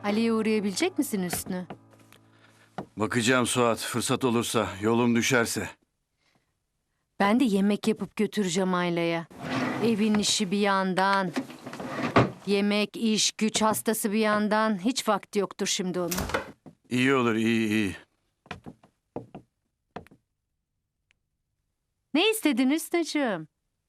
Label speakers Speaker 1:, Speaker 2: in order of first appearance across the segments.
Speaker 1: Ali'ye uğrayabilecek misin Hüsnü?
Speaker 2: Bakacağım Suat, fırsat olursa, yolum düşerse.
Speaker 1: Ben de yemek yapıp götüreceğim Ayla'ya. Evin işi bir yandan. Yemek, iş, güç hastası bir yandan. Hiç vakti yoktur şimdi onun.
Speaker 2: İyi olur, iyi.
Speaker 1: Ne istedin Hüsnü'cüğüm?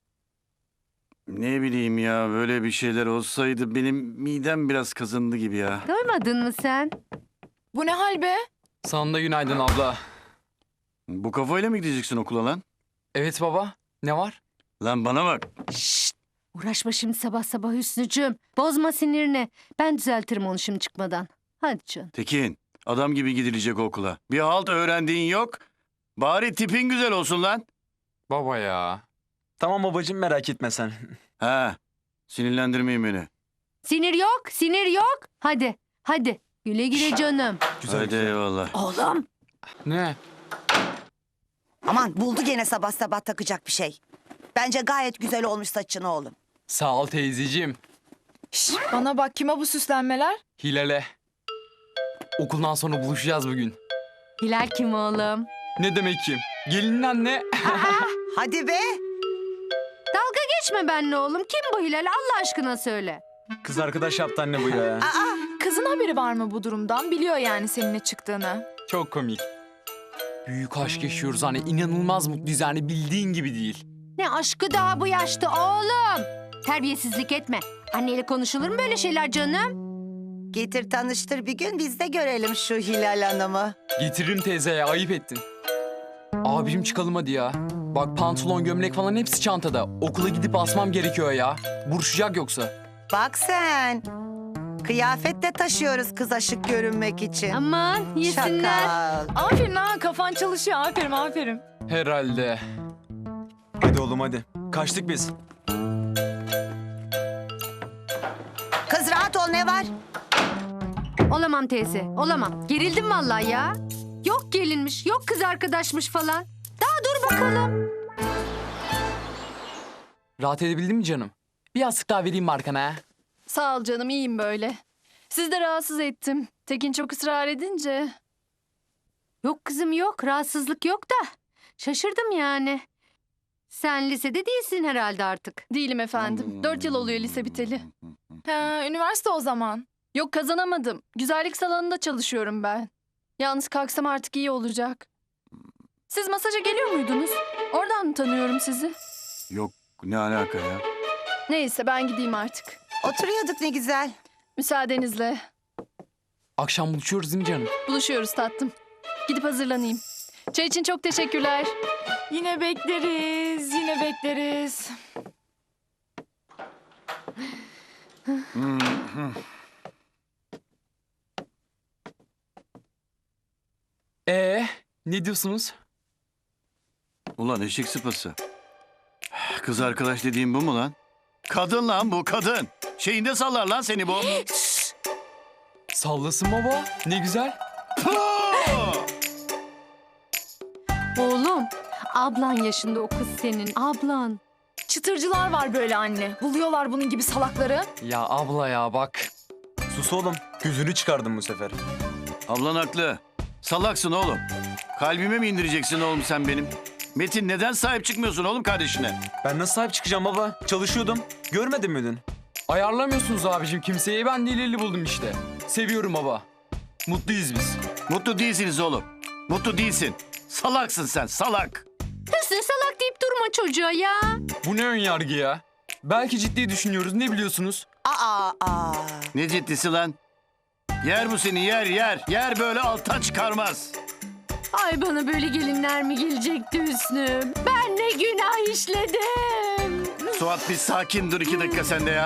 Speaker 2: Ne bileyim ya, böyle bir şeyler olsaydı benim midem biraz kazındı gibi ya.
Speaker 1: Doymadın mı sen?
Speaker 3: Bu ne hal be?
Speaker 4: Sana da günaydın abla.
Speaker 2: Bu kafayla mı gideceksin okula lan?
Speaker 4: Evet baba. Ne var?
Speaker 2: Lan bana bak.
Speaker 1: Şşt! Uğraşma şimdi sabah sabah Hüsnü'cüğüm. Bozma sinirini. Ben düzeltirim onu şimdi çıkmadan. Hadi canım.
Speaker 2: Tekin, adam gibi gidilecek okula. Bir halt öğrendiğin yok. Bari tipin güzel olsun lan.
Speaker 4: Baba ya.
Speaker 5: Tamam babacığım merak etme sen.
Speaker 2: Ha, sinirlendirmeyin beni.
Speaker 1: Sinir yok, sinir yok. Hadi, hadi. Güle güle canım.
Speaker 2: Hadi eyvallah.
Speaker 6: Oğlum.
Speaker 4: Ne?
Speaker 6: Aman buldu gene sabah sabah takacak bir şey. Bence gayet güzel olmuş saçın oğlum.
Speaker 4: Sağ ol teyzeciğim.
Speaker 3: Şş, bana bak, kime bu süslenmeler?
Speaker 4: Hilal'e. Okuldan sonra buluşacağız bugün.
Speaker 1: Hilal kim oğlum?
Speaker 4: Ne demek kim? Gelinin anne.
Speaker 6: Hadi be.
Speaker 1: Dalga geçme benimle oğlum. Kim bu Hilal? Allah aşkına söyle.
Speaker 5: Kız arkadaş yaptı anne bu ya.
Speaker 3: Kızın haberi var mı bu durumdan? Biliyor yani seninle çıktığını.
Speaker 4: Çok komik. Büyük aşk yaşıyoruz hani inanılmaz mutluyuz yani bildiğin gibi değil.
Speaker 1: Ne aşkı daha bu yaşta oğlum. Terbiyesizlik etme. Anneyle konuşulur mu böyle şeyler canım?
Speaker 6: Getir tanıştır bir gün biz de görelim şu Hilal Hanım'ı.
Speaker 4: Getiririm teyzeye ayıp ettin. Abim çıkalım hadi ya. Bak pantolon gömlek falan hepsi çantada. Okula gidip asmam gerekiyor ya. Buruşacak yoksa.
Speaker 6: Bak sen. Kıyafet de taşıyoruz kız aşık görünmek için.
Speaker 1: Aman yesinler.
Speaker 6: Şakal.
Speaker 3: Aferin ha, kafan çalışıyor. Aferin, aferin.
Speaker 4: Herhalde.
Speaker 5: Hadi oğlum hadi. Kaçtık biz.
Speaker 6: Kız rahat ol ne var?
Speaker 1: Olamam teyze, olamam. Gerildim vallahi ya. Yok gelinmiş, yok kız arkadaşmış falan. Daha dur bakalım.
Speaker 4: Rahat edebildin mi canım? Bir yastık daha vereyim mi arkana ha?
Speaker 3: Sağ ol canım, iyiyim böyle. Siz de rahatsız ettim. Tekin çok ısrar edince.
Speaker 1: Yok kızım yok, rahatsızlık yok da. Şaşırdım yani. Sen lisede değilsin herhalde artık.
Speaker 3: Değilim efendim. 4 yıl oluyor lise biteli. Ha, üniversite o zaman. Yok, kazanamadım. Güzellik salonunda çalışıyorum ben. Yalnız kalksam artık iyi olacak. Siz masaja geliyor muydunuz? Oradan mı tanıyorum sizi?
Speaker 2: Yok, ne alaka ya?
Speaker 3: Neyse, ben gideyim artık.
Speaker 6: Oturuyorduk ne güzel.
Speaker 3: Müsaadenizle.
Speaker 4: Akşam buluşuyoruz değil mi canım?
Speaker 3: Buluşuyoruz tatlım. Gidip hazırlanayım. Çay için çok teşekkürler. Yine bekleriz, yine bekleriz.
Speaker 4: Ne diyorsunuz?
Speaker 2: Ulan eşek sıpası. Kız arkadaş dediğim bu mu lan? Kadın lan bu, kadın. Şeyinde sallar lan seni bu.
Speaker 4: Sallasın baba. Ne güzel.
Speaker 2: Puh!
Speaker 1: Oğlum, ablan yaşında o kız senin, ablan.
Speaker 3: Çıtırcılar var böyle anne. Buluyorlar bunun gibi salakları.
Speaker 4: Ya abla ya bak.
Speaker 5: Sus oğlum. Gözünü çıkardım bu sefer.
Speaker 2: Ablan haklı. Salaksın oğlum. Kalbime mi indireceksin oğlum sen benim? Metin neden sahip çıkmıyorsun oğlum kardeşine?
Speaker 5: Ben nasıl sahip çıkacağım baba? Çalışıyordum. Görmedin mi dün?
Speaker 4: Ayarlamıyorsunuz abicim kimseyi. Ben delirli buldum işte. Seviyorum baba. Mutluyuz biz.
Speaker 2: Mutlu değilsiniz oğlum. Mutlu değilsin. Salaksın sen, salak.
Speaker 1: Hüsnü salak deyip durma çocuğa ya.
Speaker 4: Bu ne ön yargı ya? Belki ciddi düşünüyoruz. Ne biliyorsunuz?
Speaker 6: Aa.
Speaker 2: Ne ciddisi lan? Yer bu seni, yer, yer. Yer böyle alttan çıkarmaz.
Speaker 1: Ay bana böyle gelinler mi gelecekti Hüsnü? Ben ne günah işledim.
Speaker 2: Suat bir sakin dur 2 dakika sen de ya.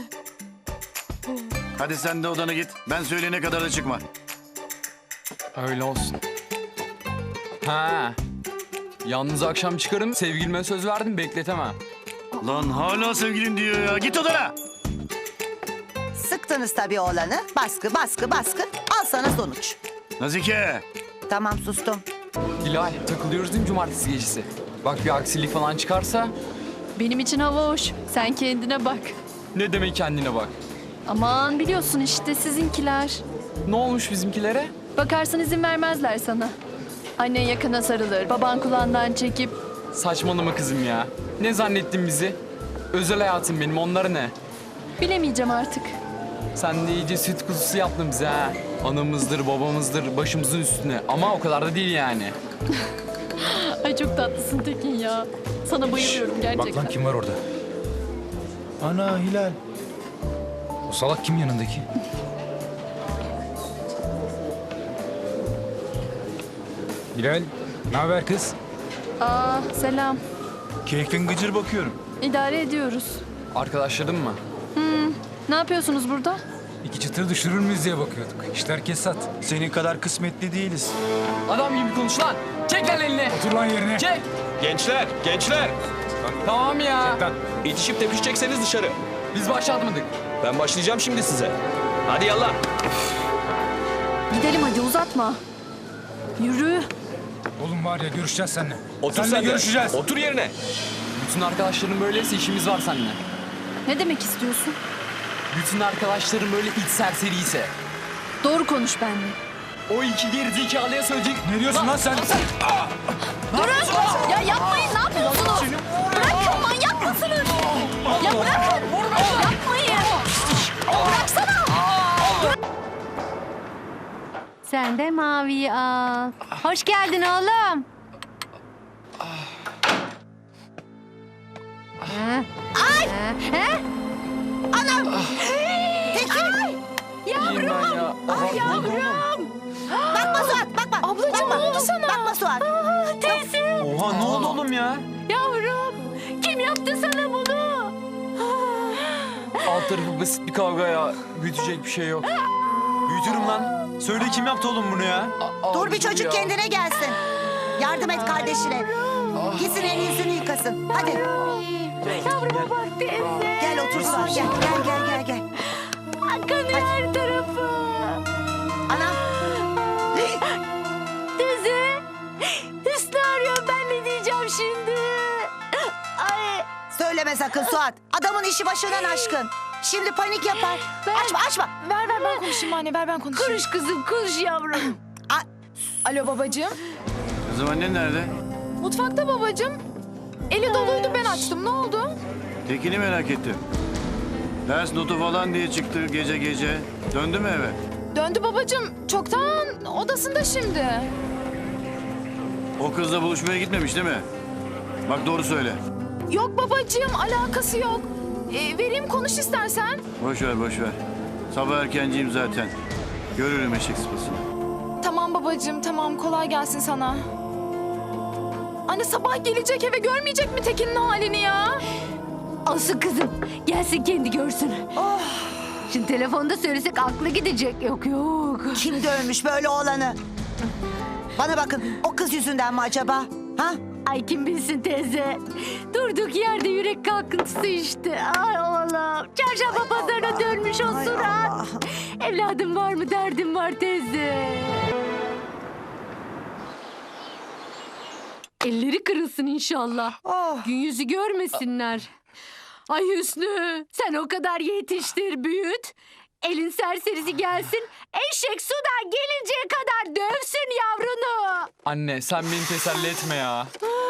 Speaker 2: Hadi sen de odana git. Ben söyleyene kadar da çıkma.
Speaker 4: Öyle olsun. Ha. Yalnız akşam çıkarım. Sevgilime söz verdim bekletemem.
Speaker 2: Lan hala sevgilin diyor ya. Git odana.
Speaker 6: Sıktınız tabii oğlanı. Baskı baskı baskı. Al sana sonuç.
Speaker 2: Nazike.
Speaker 6: Tamam sustum.
Speaker 4: Hilal takılıyoruz değil mi cumartesi gecesi? Bak bir aksilik falan çıkarsa
Speaker 3: Benim için hava hoş. Sen kendine bak.
Speaker 4: ne demek kendine bak.
Speaker 3: Aman biliyorsun işte sizinkiler.
Speaker 4: Ne olmuş bizimkilere?
Speaker 3: Bakarsın izin vermezler sana. Annen yakına sarılır, baban kulağından çekip...
Speaker 4: Saçmalama kızım ya. Ne zannettin bizi? Özel hayatım benim, onlara ne?
Speaker 3: Bilemeyeceğim artık.
Speaker 4: Sen de iyice süt kuzusu yaptın bize ha. Anamızdır, babamızdır, başımızın üstüne. Ama o kadar da değil yani.
Speaker 3: Ay çok tatlısın Tekin ya. Sana bayılıyorum gerçekten.
Speaker 7: Bak lan kim var orada? Ana Hilal. O salak kim yanındaki? Hilal, ne haber kız?
Speaker 3: Aa selam.
Speaker 7: Keyfin gıcır bakıyorum.
Speaker 3: İdare ediyoruz.
Speaker 4: Arkadaşların mı?
Speaker 3: Ne yapıyorsunuz burada?
Speaker 7: İki çıtır düşürür müyüz diye bakıyorduk. İşler kesat. Senin kadar kısmetli değiliz.
Speaker 4: Adam gibi konuş lan. Çek lan elini.
Speaker 7: Otur lan yerine.
Speaker 4: Çek.
Speaker 5: Gençler, gençler.
Speaker 4: Tamam ya.
Speaker 7: Lan,
Speaker 5: İtişip tepişecekseniz dışarı.
Speaker 4: Biz başlatmadık.
Speaker 5: Ben başlayacağım şimdi size. Hadi yallah.
Speaker 3: Gidelim hadi uzatma. Yürü.
Speaker 7: oğlum var ya görüşeceğiz seninle.
Speaker 5: Otur
Speaker 7: Seninle
Speaker 5: sen de.
Speaker 7: görüşeceğiz.
Speaker 5: Otur yerine.
Speaker 4: Bütün arkadaşların böyleyse işimiz var seninle.
Speaker 3: Ne demek istiyorsun?
Speaker 4: Bütün arkadaşların böyle iç serseriyse.
Speaker 3: Doğru konuş benimle.
Speaker 4: O iki gerizekalıya söyleyecek.
Speaker 7: Ne diyorsun lan sen?
Speaker 3: Durun! Ya yapmayın ne yapıyorsunuz? Bırakın manyak mısınız? Ya bırakın! Yapmayın! Bıraksana!
Speaker 1: Sen de maviyi al. Hoş geldin oğlum. Ay!
Speaker 4: İyiyim ben ya.
Speaker 1: Yavrum.
Speaker 6: Bakma Suat bakma.
Speaker 3: Ablacığım ne oldu sana?
Speaker 6: Bakma Suat.
Speaker 1: Teyze.
Speaker 5: Oha ne oldu oğlum ya?
Speaker 1: Yavrum. Kim yaptı sana bunu?
Speaker 4: Alt tarafı basit bir kavga ya. Büyütecek bir şey yok.
Speaker 5: Büyütürüm lan. Söyle kim yaptı oğlum bunu ya?
Speaker 6: Dur bir çocuk kendine gelsin. Yardım et kardeşine. Gitsin elini yüzünü yıkasın. Hadi.
Speaker 1: Yavruma bak teyze.
Speaker 6: Gel otur Suat gel. Gel.
Speaker 1: Kanıyor her tarafı.
Speaker 6: Anam.
Speaker 1: Teyze. Hüsnü arıyor, ben ne diyeceğim şimdi? Ay.
Speaker 6: Söyleme sakın Suat. Adamın işi başından aşkın. Şimdi panik yapar. Açma.
Speaker 3: Ver ben konuşayım anne ver ben konuşayım.
Speaker 1: Konuş kızım, konuş yavrum.
Speaker 3: Alo babacığım.
Speaker 2: Kızım annen nerede?
Speaker 3: Mutfakta babacığım. Eli doluydu ben açtım ne oldu?
Speaker 2: Tekin'i merak ettim. Ders notu falan diye çıktı gece gece. Döndü mü eve?
Speaker 3: Döndü babacığım. Çoktan odasında şimdi.
Speaker 2: O kızla buluşmaya gitmemiş değil mi? Bak doğru söyle.
Speaker 3: Yok babacığım alakası yok. Vereyim konuş istersen.
Speaker 2: Boş ver. Sabah erkenciyim zaten. Görürüm eşek sıpasını.
Speaker 3: Tamam babacığım tamam kolay gelsin sana. Anne sabah gelecek eve görmeyecek mi Tekin'in halini ya?
Speaker 1: Olsun kızım, gelsin kendi görsün. Şimdi telefonda söylesek aklı gidecek. Yok.
Speaker 6: Kim dövmüş böyle oğlanı? Bana bakın o kız yüzünden mi acaba? Ha?
Speaker 1: Ay kim bilsin teyze. Durduk yerde yürek kalkıntısı işte. Ay oğlum. Çarşamba pazarına dönmüş o
Speaker 6: Ay
Speaker 1: surat.
Speaker 6: Allah.
Speaker 1: Evladım var mı, derdim var teyze. Elleri kırılsın inşallah.
Speaker 6: Oh.
Speaker 1: Gün yüzü görmesinler. Ay Hüsnü, sen o kadar yetiştir, büyüt. Elin serserisi gelsin, eşek sudan gelinceye kadar dövsün yavrunu.
Speaker 4: Anne sen beni teselli etme ya.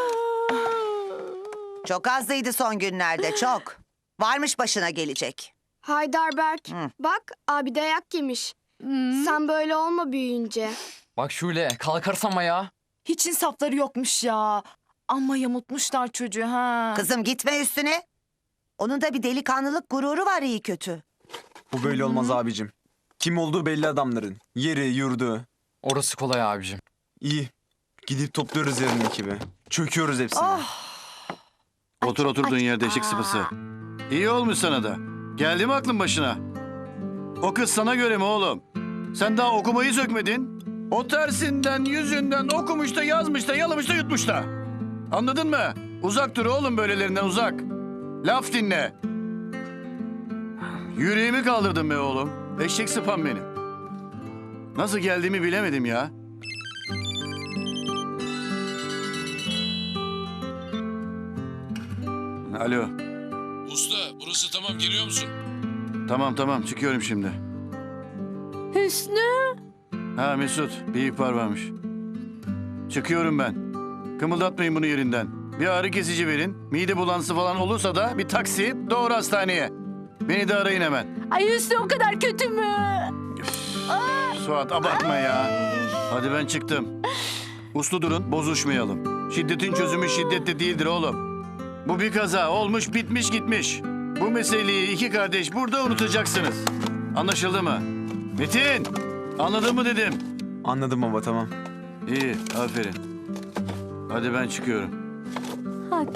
Speaker 6: Çok azlıydı son günlerde çok. Varmış başına gelecek.
Speaker 8: Heidelberg.
Speaker 6: Hı.
Speaker 8: Bak abi dayak yemiş. Sen böyle olma büyüyünce.
Speaker 4: Bak Şule kalkarsam ya.
Speaker 3: Hiç insafları yokmuş ya. Amma yamutmuşlar çocuğu ha.
Speaker 6: Kızım gitme üstüne. Onun da bir delikanlılık gururu var iyi kötü.
Speaker 5: Bu böyle olmaz abicim. Kim olduğu belli adamların. Yeri, yurdu.
Speaker 4: Orası kolay abicim.
Speaker 5: İyi. Gidip topluyoruz yarın ekibi. Çöküyoruz hepsine.
Speaker 2: Otur oturduğun yerde eşek sıpası. İyi olmuş sana da. Geldi mi aklın başına? O kız sana göre mi oğlum? Sen daha okumayı sökmedin. O tersinden, yüzünden okumuş da yazmış da yalamış da yutmuş da. Anladın mı? Uzak dur oğlum böylelerinden uzak. Laf dinle. Yüreğimi kaldırdın be oğlum. Eşek sıpam benim. Nasıl geldiğimi bilemedim ya. Alo.
Speaker 9: Usta burası tamam geliyor musun?
Speaker 2: Tamam çıkıyorum şimdi.
Speaker 1: Hüsnü.
Speaker 2: Ha Mesut, bir ihbar varmış. Çıkıyorum ben. Kımıldatmayın bunu yerinden. Bir ağrı kesici verin. Mide bulantısı falan olursa da bir taksi doğru hastaneye. Beni de arayın hemen.
Speaker 1: Ay Hüsnü o kadar kötü mü?
Speaker 2: Suat abartma ya. Hadi ben çıktım. Uslu durun, bozuşmayalım. Şiddetin çözümü şiddette değildir oğlum. Bu bir kaza, olmuş bitmiş gitmiş. Bu meseleyi iki kardeş burada unutacaksınız. Anlaşıldı mı? Metin, anladın mı dedim.
Speaker 5: Anladım baba, tamam.
Speaker 2: İyi, aferin. Hadi ben çıkıyorum.
Speaker 1: Hadi.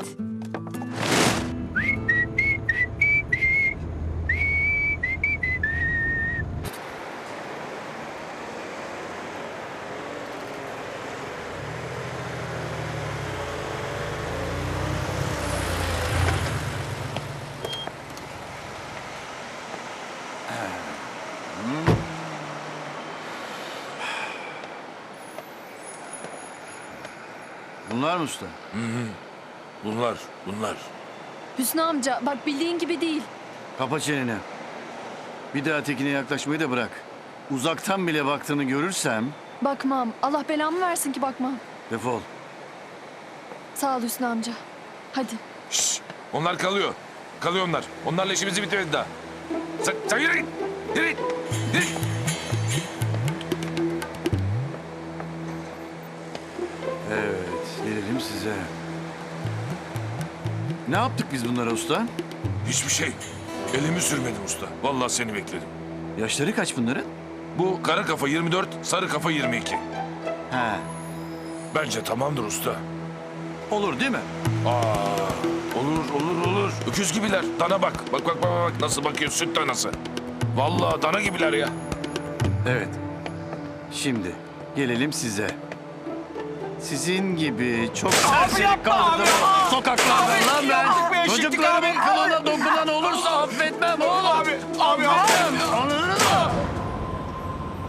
Speaker 2: Bunlar mı usta?
Speaker 9: Bunlar.
Speaker 3: Hüsnü amca bak bildiğin gibi değil.
Speaker 2: Kapa çeneni. Bir daha tekine yaklaşmayı da bırak. Uzaktan bile baktığını görürsem
Speaker 3: Bakmam. Allah belamı versin ki bakmam.
Speaker 2: defol.
Speaker 3: Sağ ol Hüsnü amca. Hadi.
Speaker 9: Şşş! Onlar kalıyor. Kalıyor onlar. Onlarla işimizi bitirmedi daha. Sen yürü git. Yürü git. Yürü git.
Speaker 2: Evet, gelelim size. Ne yaptık biz bunlara usta?
Speaker 9: Hiçbir şey. Elimi sürmedim usta. Vallahi seni bekledim.
Speaker 2: Yaşları kaç bunların?
Speaker 9: Bu kara kafa 24, sarı kafa 22.
Speaker 2: He,
Speaker 9: Bence tamamdır usta.
Speaker 2: olur değil mi?
Speaker 9: Olur. Öküz gibiler. Dana bak. Bak. Nasıl bakıyor süt danası. Vallahi dana gibiler ya.
Speaker 2: Evet. Şimdi gelelim size. Sizin gibi çok serseri kaldırdım sokaklardan lan ben. Çocuklarımın kılına dokunan olursa affetmem oğlum.